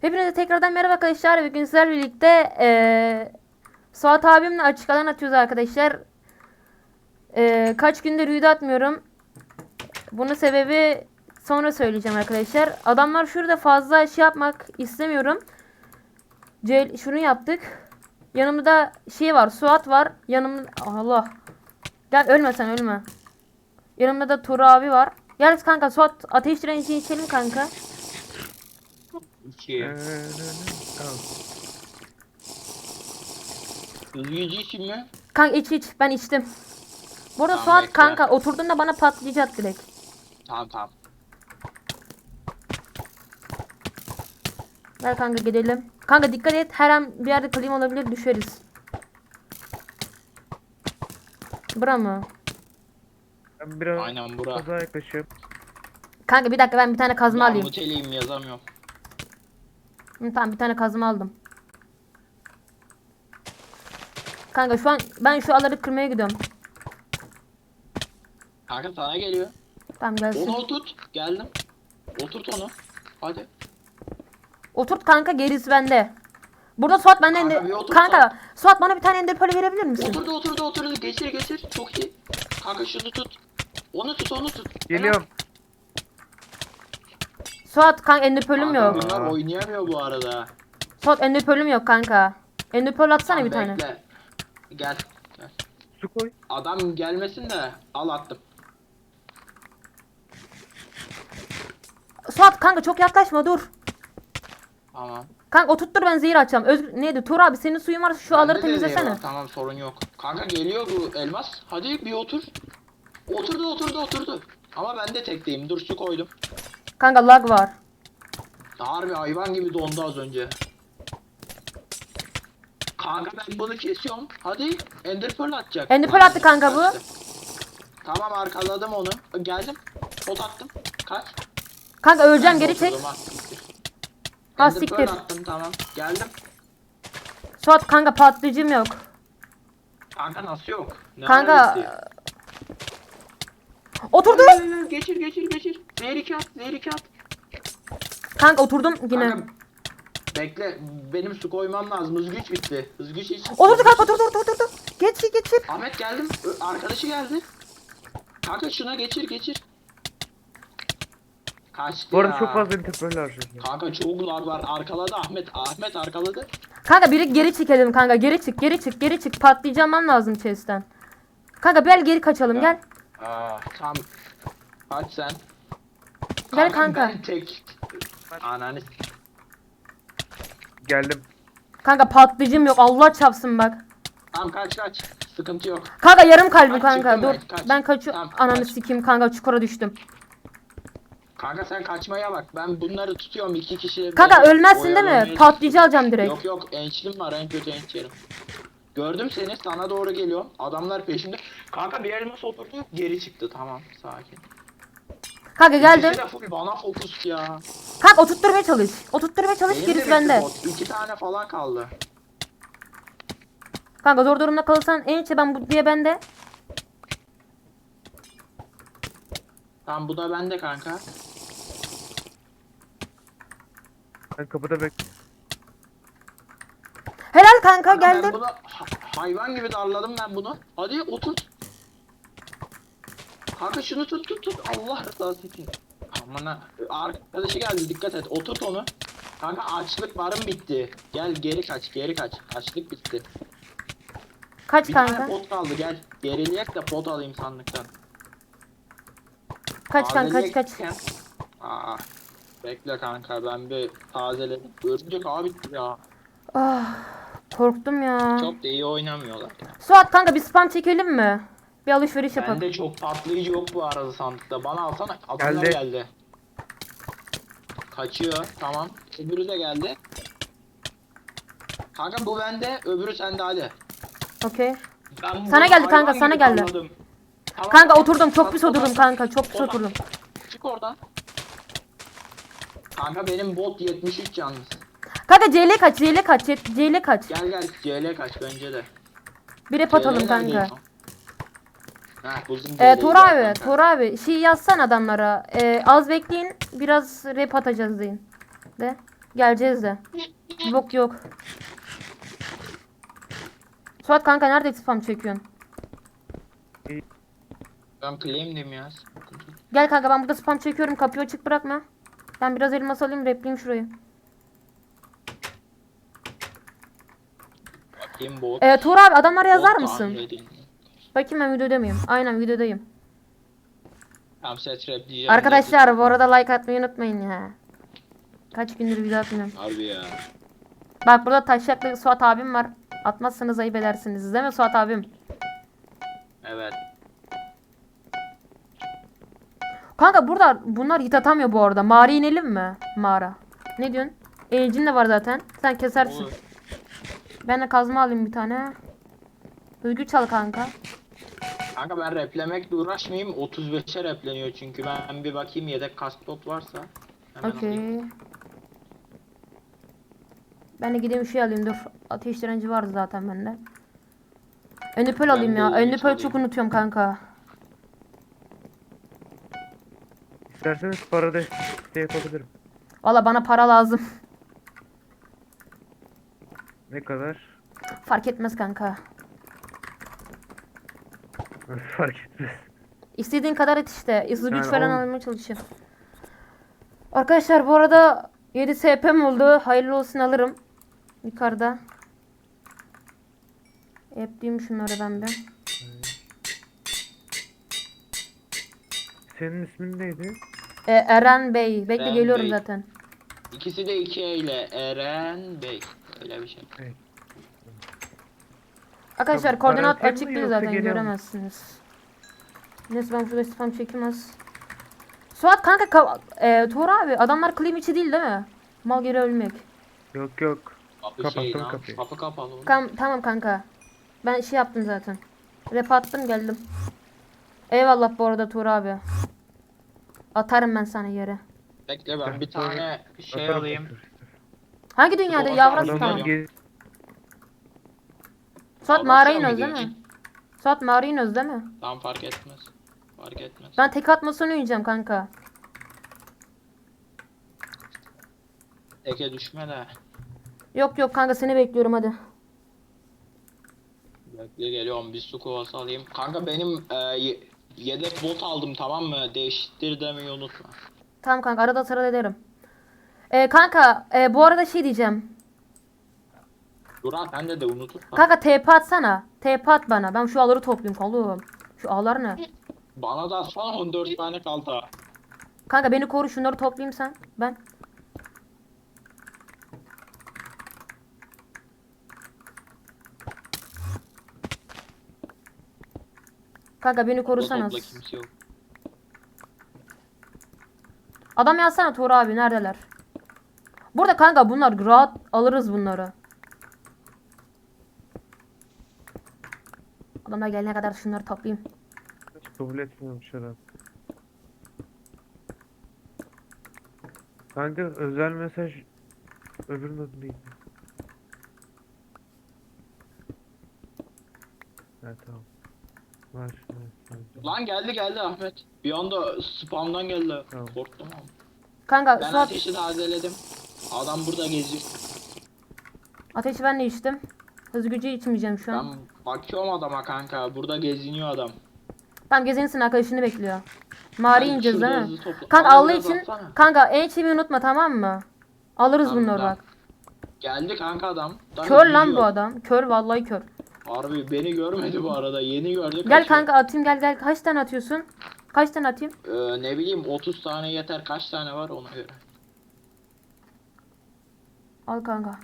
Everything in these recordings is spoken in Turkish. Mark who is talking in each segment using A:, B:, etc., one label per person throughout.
A: Hepinize tekrardan merhaba arkadaşlar. Bugün sizlerle birlikte Suat abimle açık alan atıyoruz arkadaşlar. Kaç gündür video atmıyorum. Bunun sebebi sonra söyleyeceğim arkadaşlar. Adamlar şurada fazla şey yapmak istemiyorum. Şunu yaptık. Yanımda şey var, Suat var. Yanımda Allah. Gel ölme sen ölme. Yanımda da Tur abi var. Gel kanka Suat ateş direnci içelim kanka.
B: 2.
C: Tamam.
B: Hızlıcı için mi?
A: Kanka iç ben içtim. Bu arada
B: Tamam,
A: Suat
B: bekle.
A: kanka oturduğunda bana patlayacak direkt.
B: Tamam.
A: Gel kanka gidelim. Kanka dikkat et, her an bir yerde klima olabilir, düşeriz. Bura mı?
C: Ben biraz
B: Aynen bura.
C: fazla yaklaşıyorum.
A: Kanka bir dakika, ben bir tane kazma
B: Ben
A: alayım.
B: muteliyim yazamıyorum.
A: Tamam, bir tane kazma aldım. Kanka şu an ben şu aları kırmaya gidiyorum.
B: Kanka sana geliyor.
A: Tamam gelsin.
B: Onu oturt. Geldim. Oturt onu. Hadi.
A: Oturt kanka, gerisi bende. Burada Suat benden
B: Kanka,
A: ender...
B: bir otur
A: Kanka Suat bana bir tane ender pearl verebilir misin?
B: Oturdu. Geçir. Çok iyi. Kanka şunu tut. Onu tut.
C: Geliyorum.
A: Suat kanka ender pearl'üm
B: Kanka
A: yok.
B: bunlar oynayamıyor bu arada.
A: Suat ender pearl'üm yok kanka. Ender pearl atsana
B: Tamam,
A: bir tane.
B: bekle. Gel.
C: Su koy.
B: Adam gelmesin de al attım.
A: Suat kanka çok yaklaşma, dur.
B: Tamam.
A: Kanka oturttur, ben zehir açacağım. Neydi? Tur abi senin suyun varsa şu aları
B: Bende de zehir
A: temizlesene.
B: var, tamam sorun yok. Kanka geliyor bu elmas. Hadi bir otur. Oturdu. Ama ben de tekteyim. Dur su koydum.
A: Kanka lag var.
B: Harbi hayvan gibi dondu az önce. Kanka ben bunu kesiyorum. Hadi Ender Pearl atacak.
A: Ender Pearl attı kanka bu.
B: Kaçtı. Tamam arkaladım onu. Geldim. Pot attım. Kaç.
A: Kanka öleceğim,
B: Ben
A: geri çek.
B: oturdum, ha, siktir.
A: Ha,
B: Ender
A: siktir.
B: Pearl attım, tamam. Geldim.
A: Suat kanka patlayıcım yok.
B: Kanka nasıl yok? Ne
A: Kanka
B: alakası?
A: oturdu.
B: Geçir. Zehir 2 at.
A: Kanka oturdum yine.
B: Kanka, bekle. Benim su koymam lazım. Hız güç bitti. Hız güç için.
A: Oturdu kanka, oturdu. Geç.
B: Ahmet geldim. Arkadaşı geldi. Kanka şuna geçir. Kaçtı
C: Bu arada
B: ya.
C: çok fazla interpearl harcadım.
B: Kanka çok lag var. Arkaladı Ahmet. Ahmet arkaladı.
A: Kanka biri geri çekelim kanka, geri çık. Patlayacağım lazım chest'ten. Kanka geri kaçalım, gel.
B: Tamam. Kaç sen.
A: Gel kanka.
B: Ben tek. Ananı.
C: Geldim.
A: Kanka patlayıcım yok, Allah çapsın bak.
B: Tamam kaç. Sıkıntı yok.
A: Kanka yarım kalbim
B: Kaç,
A: kanka,
B: çıktım
A: dur.
B: kaç.
A: Ben kaçıyorum.
B: Tamam,
A: Ananı
B: kaç.
A: sikeyim kanka, çukura düştüm.
B: Kanka sen kaçmaya bak. Ben bunları tutuyorum 2 kişi.
A: Kanka
B: Beni
A: ölmezsin değil mi?
B: oyalamaya
A: Patlayıcı alacağım direkt.
B: Yok ençlim var, en kötü enç yerim. Gördüm seni, sana doğru geliyorum. Adamlar peşimde. Kanka bir elmas oturdu, geri çıktı. Tamam, sakin.
A: Kanka geldim.
B: İkisi de full bana fokus ya.
A: Kanka oturtturmaya çalış.
B: Benim
A: Gerisi
B: de
A: bende.
B: bitti bot. 2 tane falan kaldı.
A: Kanka zor durumda kalırsan en içe ben bu diye bende.
B: Tamam bu da bende kanka.
C: Ben kapıda bek.
A: Helal kanka,
B: Ben
A: geldim.
B: bunu hayvan gibi darladım ben bunu. Hadi otur. Kanka şunu tut. Allah rızası için. Aman arkadaşı geldi, dikkat et. Oturt onu. Kanka açlık varım bitti. Gel geri kaç. Açlık bitti.
A: Kaç
B: Bir
A: kanka?
B: tane pot kaldı, gel. Gerileyek de pot alayım sandıktan.
A: Kaç kanka, kaç.
B: Tazeleyek. Aa, bekle kanka ben bir tazeledim. Örümcek abi ya.
A: Ah, korktum ya.
B: Çok da iyi oynamıyorlar ya.
A: Suat kanka bir spam çekelim mi? Bir alışveriş yapalım.
B: Bende çok patlayıcı yok bu arada sandıkta. Bana alsana. Adamlar
C: Geldi.
B: geldi. Kaçıyor. Tamam. Öbürü de geldi. Kanka bu bende. Öbürü sende, hadi.
A: Okey.
B: Ben
A: Sana
B: bunu
A: geldi kanka,
B: hayvan
A: sana
B: gibi
A: geldi.
B: darladım. Tamam,
A: Kanka
B: tamam.
A: oturdum, çok pis
B: Tamam.
A: oturdum kanka, çok pis
B: Oradan.
A: oturdum.
B: Çık oradan. Kanka benim bot 73 yalnız.
A: Kanka CL kaç.
B: Gel CL kaç bence de.
A: Bir rep atalım
B: CL
A: kanka.
B: neredeydi? Heh, buldum CL'yi
A: Tor abi şey yazsan adamlara. Az bekleyin, biraz rep atacağız deyin. De. Geleceğiz de. Yok yok. Suat kanka nerede spam çekiyorsun?
B: Ben claim'dim ya.
A: Gel kanka ben burada spam çekiyorum. Kapıyı açık bırakma. Ben biraz elmas alayım, repleyeyim şurayı.
B: Bakayım bot.
A: Tuğra abi adamlara yazar
B: Bot
A: mısın?
B: tahmin edeyim.
A: Bakayım ben videoda mıyım? Aynen videodayım.
B: Tamam set rap diyeceğim.
A: Arkadaşlar bu arada like atmayı unutmayın ya. Kaç gündür video atmıyorum.
B: Harbi ya.
A: Bak burada taşaklı Suat abim var. Atmazsanız ayıp edersiniz değil mi Suat abim?
B: Evet.
A: Kanka burada bunlar hit atamıyor bu arada. Mağara inelim mi? Mağara. Ne diyorsun? Elcin de var zaten. Sen kesersin.
B: Olur.
A: Ben de kazma alayım bir tane. Hızgü çal kanka.
B: Kanka ben replemekle uğraşmayayım. 35'e repleniyor çünkü. Ben bir bakayım yedek kask top varsa. Hemen alayım.
A: Okey. Ben de gideyim şey alayım dur. Ateş direnci vardı zaten bende. Önüpöl alayım
B: de
A: ya.
B: ilginç
A: Önüpöl
B: alayım.
A: çok unutuyorum kanka.
C: İsterseniz para desteği yapabilirim.
A: Valla bana para lazım.
C: Ne kadar?
A: Fark etmez kanka.
C: Fark etmez.
A: İstediğin kadar et işte. Hızlı güç
C: Yani
A: falan
C: on-
A: almaya çalışayım. Arkadaşlar bu arada 7 SP'm oldu. Hayırlı olsun alırım. Yukarıda. Yapayım şunları ben bir.
C: Senin ismin neydi?
A: Eren Bey. Bekle
B: Eren
A: geliyorum
B: Bey.
A: zaten.
B: İkisi de 2 ile Eren Bey. Öyle bir şey.
C: Evet.
A: Arkadaşlar
C: Tabii,
A: koordinat
C: para atayım
A: açık
C: mı
A: değil
C: yoksa
A: zaten
C: geliyor mu?
A: göremezsiniz. Neyse ben şurada spam çekeyim az. Suat kanka Tuğra abi adamlar claim içi değil mi? Mal geri ölmek.
C: Yok yok.
B: Kapı
C: Kapattım
B: şey lan.
C: kapıyı.
B: Kapı kapalı. oğlum.
A: Tamam kanka. Ben şey yaptım zaten. Rap attım geldim. Eyvallah bu arada Tuğra abi. Atarım ben sana yere.
B: Bekle ben bir tane şey
C: Atarım,
B: alayım.
C: atarım.
A: Hangi dünyada
B: Doğru,
A: yavrum
B: adamlar
A: tamam.
C: Adamlar gez...
A: Suat
B: Adam
A: mağara
B: sen mi
A: iniyoruz değil mi?
B: diyeceksin?
A: Suat mağara iniyoruz değil mi?
B: Tamam fark etmez. Fark etmez.
A: Ben tek atmasını oynayacağım kanka.
B: Eke düşme de.
A: Yok kanka seni bekliyorum hadi.
B: Bekle geliyorum bir su kovası alayım. Kanka benim yedek bot aldım tamam mı? Değiştir demeyi unutma.
A: Tamam kanka arada sırada ederim. Kanka bu arada şey diyeceğim.
B: Duran sen de unutursan.
A: Kanka TP atsana. TP at bana. Ben şu ağları toplayayım oğlum. Şu ağlar ne?
B: Bana da son 14 tane kaldı.
A: Kanka beni koru şunları toplayayım sen. Ben. Kanka beni korusanız.
B: Topla kimse yok.
A: Adam yazsana Tuğra abi neredeler? Burada kanka bunlar rahat alırız bunları. Adamlar gelene kadar şunları toplayayım.
C: Hiç kabul etmiyormuş adam. Kanka özel mesaj öbürünün adı neydi? Evet tamam. Var. Evet.
B: Lan geldi Ahmet. Bir anda spamdan geldi.
C: Tamam.
B: Korktum ama.
A: Kanka
B: Ben
A: Suat
B: ateşi tazeledim. Adam burada geziyor.
A: ateşi ben de içtim. Hız gücü içmeyeceğim şu an.
B: Ben bakıyorum adama kanka. Burada geziniyor adam.
A: Tam gezinsin arkadaşını bekliyor. Mağara
B: Ben
A: ineceğiz
B: şurada
A: değil mi?
B: hızlı topla-
A: Kanka
B: Bana
A: Allah
B: biraz
A: için
B: atsana.
A: kanka en çivi unutma tamam mı? Alırız
B: Tamam,
A: bunları
B: tamam.
A: bak.
B: Geldi kanka adam. Daha
A: Kör lan
B: gidiyor.
A: bu adam. Kör vallahi kör.
B: Harbi beni görmedi bu arada. Yeni gördü.
A: Gel
B: kaçıyor.
A: kanka atayım gel. Kaç tane atıyorsun? Kaç tane atayım?
B: Ne bileyim 30 tane yeter. Kaç tane var ona göre.
A: Al kanka.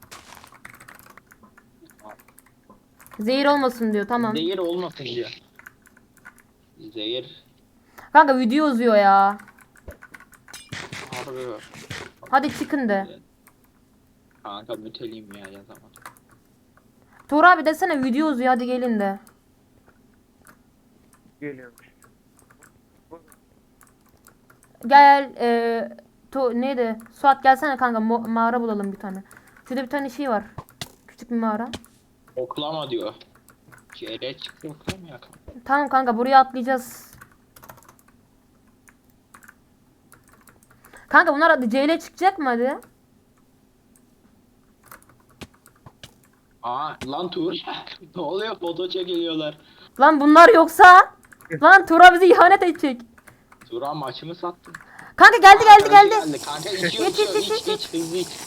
A: Zehir olmasın diyor tamam.
B: Zehir olmasın diyor. Zehir.
A: Kanka video uzuyor ya.
B: Harbi.
A: Hadi çıkın de.
B: Kanka müteliyim ya yazamadım.
A: Tuğra abi desene video uzuyor hadi gelin de.
C: Geliyormuş.
A: Gel neydi? Suat gelsene kanka mağara bulalım bir tane. Şurada bir tane şey var. Küçük bir mağara.
B: Oklama diyor. CR çıktı oklama ya.
A: Tamam kanka buraya atlayacağız. Kanka bunlar hadi CL çıkacak mı hadi?
B: Aa lan Tuğra. Ne oluyor? Foto çekiliyorlar.
A: Lan bunlar yoksa? Lan Tura bizi ihanet edecek.
B: Tuğra maçımı sattın.
A: Kanka geldi
B: Aa,
A: geldi
B: karşı
A: geldi.
B: Kanka içiyor
A: İç,
B: içiyor
A: iç,
B: iç
A: iç,
B: iç hızlı iç.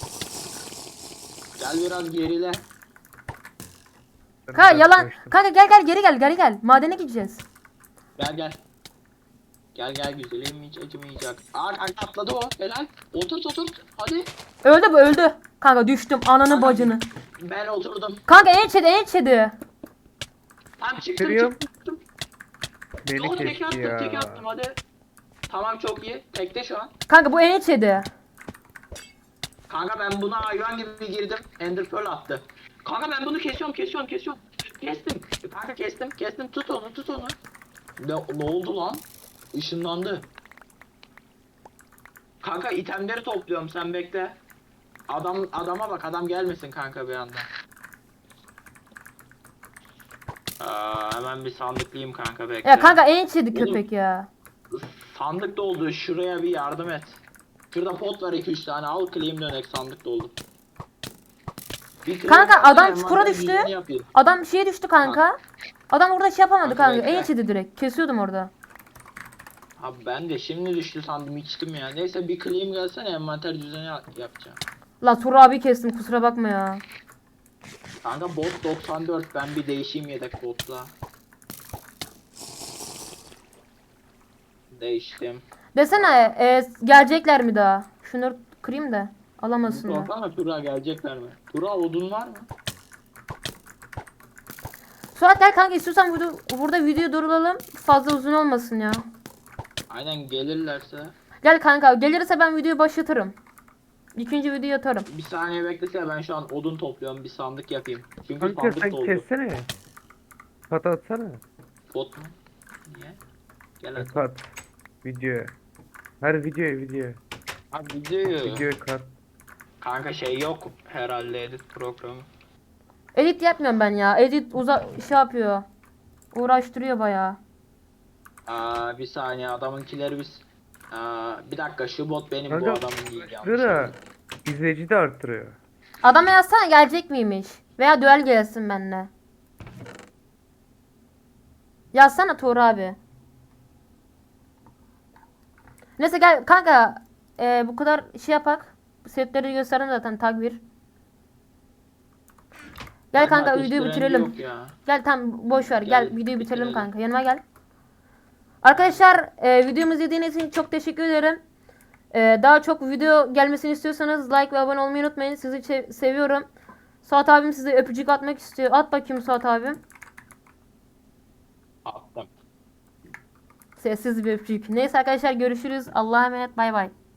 B: Gel biraz gerile.
C: Ben
A: Kanka
C: biraz
A: yalan.
C: kaçtım.
A: Kanka gel gel geri gel geri gel. Madene gideceğiz.
B: Gel gel. Gel gel güzelim hiç acımayacak. Aa kanka atladı o helal. Oturt oturt hadi.
A: Öldü bu öldü. Kanka düştüm ananı bacını.
B: Ben oturdum.
A: Kanka en içedi.
B: Tamam çıktım
C: Bitiriyorum.
B: çıktım.
C: Beni
B: Doğru tek
C: kesti
B: attım
C: ya.
B: tek attım hadi. Tamam çok iyi. Tekte şu an.
A: Kanka bu en içedi.
B: Kanka ben buna hayvan gibi girdim. Ender Pearl attı. Kanka ben bunu kesiyorum. Kestim. Kanka kestim. Tut onu. Ne oldu lan? Işınlandı. Kanka itemleri topluyorum sen bekle. Adama bak adam gelmesin kanka bir anda. Hemen bir sandıklayayım kanka bekle.
A: Ya kanka en içedi
B: Oğlum.
A: köpek ya.
B: Sandık doldu şuraya bir yardım et. Şurada pot var 2-3 tane al claim dönek sandık doldu. Bir claim
A: Kanka,
B: atsana,
A: adam çukura
B: envanter
A: düştü.
B: yüzünü yapayım.
A: Adam şeye düştü kanka. Adam orada şey yapamadı
B: Kanka
A: kanka. En
B: bekle.
A: içedi direkt. Kesiyordum orada.
B: Abi ben de şimdi düştü sandım içtim ya. Neyse bir claim gelsene envanter düzeni yapacağım.
A: La Tura abi kestim kusura bakma ya.
B: Kanka bot 94 ben bir değişeyim yedek botla. Değiştim.
A: Desene gelecekler mi daha? Şunu kırayım da alamasınlar.
B: Sorsana Tura gelecekler mi? Tura odun var mı?
A: Suat gel kanka istiyorsan burada video duralım. Fazla uzun olmasın ya.
B: Aynen gelirlerse.
A: Gel kanka gelirse ben videoyu başlatırım. İkinci videoyu atarım.
B: Bir saniye beklesene ben şu an odun topluyorum bir sandık yapayım. Çünkü
C: Kanka
B: sandık
C: sen
B: doldu.
C: kessene. Kat atsana.
B: Bot mu? Niye? Gel hadi.
C: Kat. Videoya. Her videoya.
B: Abi videoyu.
C: Videoya kat.
B: Kanka şey yok herhalde edit programı.
A: Edit yapmıyorum ben ya. Edit şey yapıyor. Uğraştırıyor bayağı.
B: Bir saniye adamınkileri biz. Bir dakika şu bot benim bu
C: Kanka,
B: adamın değil yanlış.
C: Sıra
B: oldu.
C: izleyici de arttırıyor.
A: Adama yazsana gelecek miymiş? Veya düel gelsin benimle. Yazsana Tuğra abi. Neyse gel kanka. Bu kadar şey yapak. Setleri gösterdim zaten takvir. Gel
B: Bende
A: kanka
B: ateş
A: videoyu
B: direnci
A: bitirelim.
B: yok ya.
A: Gel tam boş ver. Gel
B: Gel,
A: videoyu bitirelim
B: bitirelim.
A: kanka. Yanıma gel. Arkadaşlar videomuzu izlediğiniz için çok teşekkür ederim. Daha çok video gelmesini istiyorsanız like ve abone olmayı unutmayın. Sizi seviyorum. Suat abim size öpücük atmak istiyor. At bakayım Suat abim.
B: Attım.
A: Sessiz bir öpücük. Neyse arkadaşlar görüşürüz. Allah'a emanet. Bay bay.